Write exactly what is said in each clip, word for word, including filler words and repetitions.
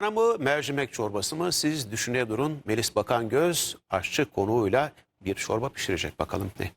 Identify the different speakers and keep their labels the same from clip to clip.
Speaker 1: Mı mercimek çorbası mı siz düşüne durun. Melis Bakangöz aşçı konuğuyla bir çorba pişirecek, bakalım ne?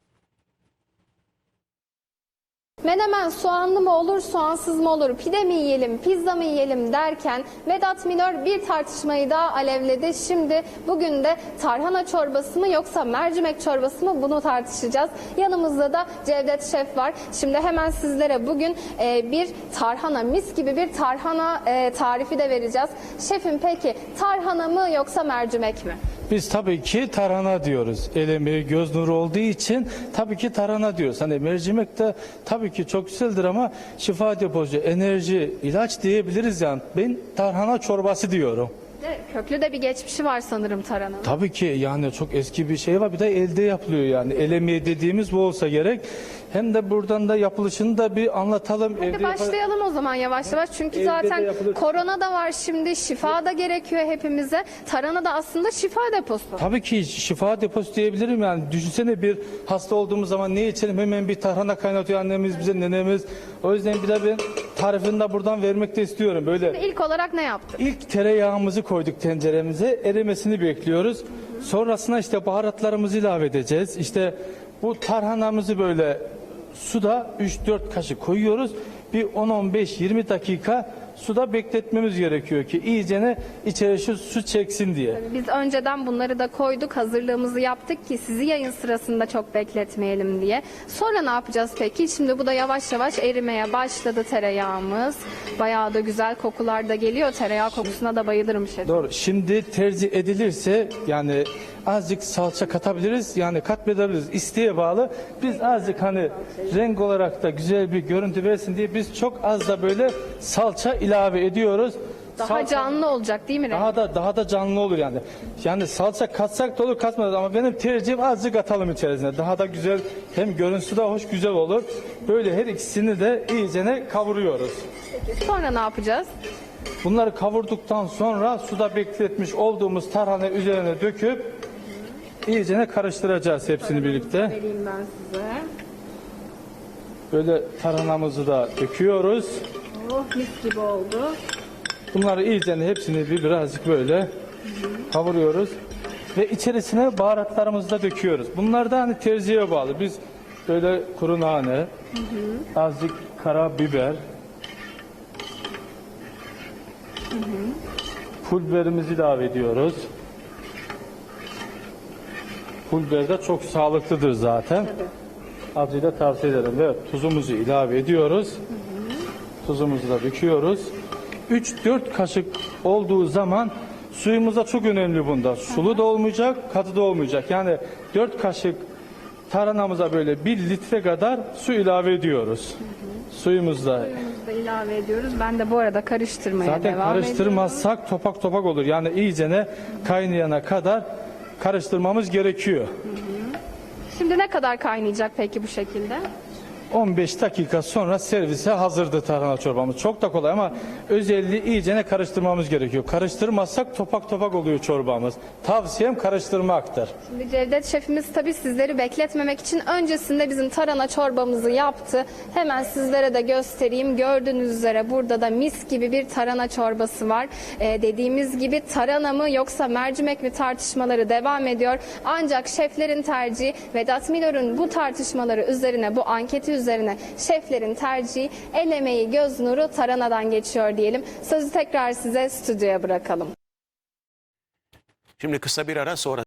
Speaker 2: Menemen soğanlı mı olur, soğansız mı olur, pide mi yiyelim, pizza mı yiyelim derken Vedat Milor bir tartışmayı daha alevledi. Şimdi bugün de tarhana çorbası mı yoksa mercimek çorbası mı, bunu tartışacağız. Yanımızda da Cevdet Şef var. Şimdi hemen sizlere bugün e, bir tarhana, mis gibi bir tarhana e, tarifi de vereceğiz. Şefim, peki tarhana mı yoksa mercimek mi?
Speaker 3: Biz tabii ki tarhana diyoruz. El emeği, göz nuru olduğu için tabii ki tarhana diyoruz. Hani mercimek de tabii ki çok güzeldir ama şifa deposu, enerji, ilaç diyebiliriz yani. Ben tarhana çorbası diyorum.
Speaker 2: Köklü de bir geçmişi var sanırım tarhananın.
Speaker 3: Tabii ki yani çok eski bir şey var. Bir de elde yapılıyor yani. El emeği dediğimiz bu olsa gerek. Hem de buradan da yapılışını da bir anlatalım.
Speaker 2: Hadi
Speaker 3: Evde
Speaker 2: başlayalım o zaman yavaş yavaş. Çünkü
Speaker 3: Evde
Speaker 2: zaten
Speaker 3: de yapılır.
Speaker 2: korona da var şimdi. Şifa da gerekiyor hepimize. Tarhana da aslında şifa deposu.
Speaker 3: Tabii ki şifa deposu diyebilirim yani. Düşünsene, bir hasta olduğumuz zaman ne içelim? Hemen bir tarhana kaynatıyor annemiz bize, nenemiz. O yüzden bir de ben tarifini de buradan vermek de istiyorum. Böyle
Speaker 2: İlk olarak ne yaptık?
Speaker 3: ilk tereyağımızı koyduk tenceremize. Erimesini bekliyoruz. Sonrasında işte baharatlarımızı ilave edeceğiz. İşte bu tarhanamızı böyle suda üç dört kaşık koyuyoruz. Bir on on beş yirmi dakika suda bekletmemiz gerekiyor ki iyicene içerisi su çeksin diye.
Speaker 2: Biz önceden bunları da koyduk, hazırlığımızı yaptık ki sizi yayın sırasında çok bekletmeyelim diye. Sonra ne yapacağız peki? Şimdi bu da yavaş yavaş erimeye başladı tereyağımız. Bayağı da güzel kokular da geliyor. Tereyağı kokusuna da bayılırım şefim.
Speaker 3: Doğru. Şimdi tercih edilirse yani azıcık salça katabiliriz. Yani katmayabiliriz. İsteğe bağlı. Biz azıcık hani renk olarak da güzel bir görüntü versin diye biz çok az da böyle salça ilave ediyoruz.
Speaker 2: Daha
Speaker 3: Salça
Speaker 2: canlı olacak değil mi? renk?
Speaker 3: daha da daha da canlı olur yani. Yani salça katsak da olur, katmadık ama benim tercihim azıcık atalım içerisine. Daha da güzel, hem görüntüsü de hoş, güzel olur. Böyle her ikisini de iyicene kavuruyoruz.
Speaker 2: Peki, sonra ne yapacağız?
Speaker 3: Bunları kavurduktan sonra suda bekletmiş olduğumuz tarhana üzerine döküp iyicene karıştıracağız hepsini birlikte.
Speaker 2: Vereyim ben size.
Speaker 3: Böyle tarhanamızı da döküyoruz.
Speaker 2: Oh, mis gibi oldu.
Speaker 3: Bunları iyicene hepsini bir birazcık böyle kavuruyoruz. Ve içerisine baharatlarımızı da döküyoruz. Bunlar da hani tercihe bağlı. Biz böyle kuru nane, azıcık karabiber, pul biberimizi ilave ediyoruz. Pul biber de çok sağlıklıdır zaten. Azıcık da tavsiye ederim. Evet, tuzumuzu ilave ediyoruz. Tuzumuzu da döküyoruz. üç dört kaşık olduğu zaman suyumuz da çok önemli bunda. Sulu da olmayacak, katı da olmayacak. Yani dört kaşık tarhanamıza böyle bir litre kadar su ilave ediyoruz. Suyumuzda.
Speaker 2: Suyumuzu da ilave ediyoruz. Ben de bu arada karıştırmaya
Speaker 3: Zaten
Speaker 2: devam ediyorum.
Speaker 3: karıştırmazsak topak topak olur. Yani iyicene kaynayana kadar karıştırmamız gerekiyor.
Speaker 2: Şimdi ne kadar kaynayacak peki bu şekilde?
Speaker 3: on beş dakika sonra servise hazırdı tarhana çorbamız. Çok da kolay ama özelliği iyicene karıştırmamız gerekiyor. Karıştırmazsak topak topak oluyor çorbamız. Tavsiyem karıştırmaktır.
Speaker 2: Şimdi Cevdet Şefimiz tabii sizleri bekletmemek için öncesinde bizim tarhana çorbamızı yaptı. Hemen sizlere de göstereyim. Gördüğünüz üzere burada da mis gibi bir tarhana çorbası var. Ee, dediğimiz gibi tarhana mı yoksa mercimek mi tartışmaları devam ediyor. Ancak şeflerin tercihi, Vedat Milor'un bu tartışmaları üzerine, bu anketi üzerine şeflerin tercihi, el emeği, göz nuru tarhanadan geçiyor diyelim. Sözü tekrar size stüdyoya bırakalım.
Speaker 1: Şimdi kısa bir ara, sonra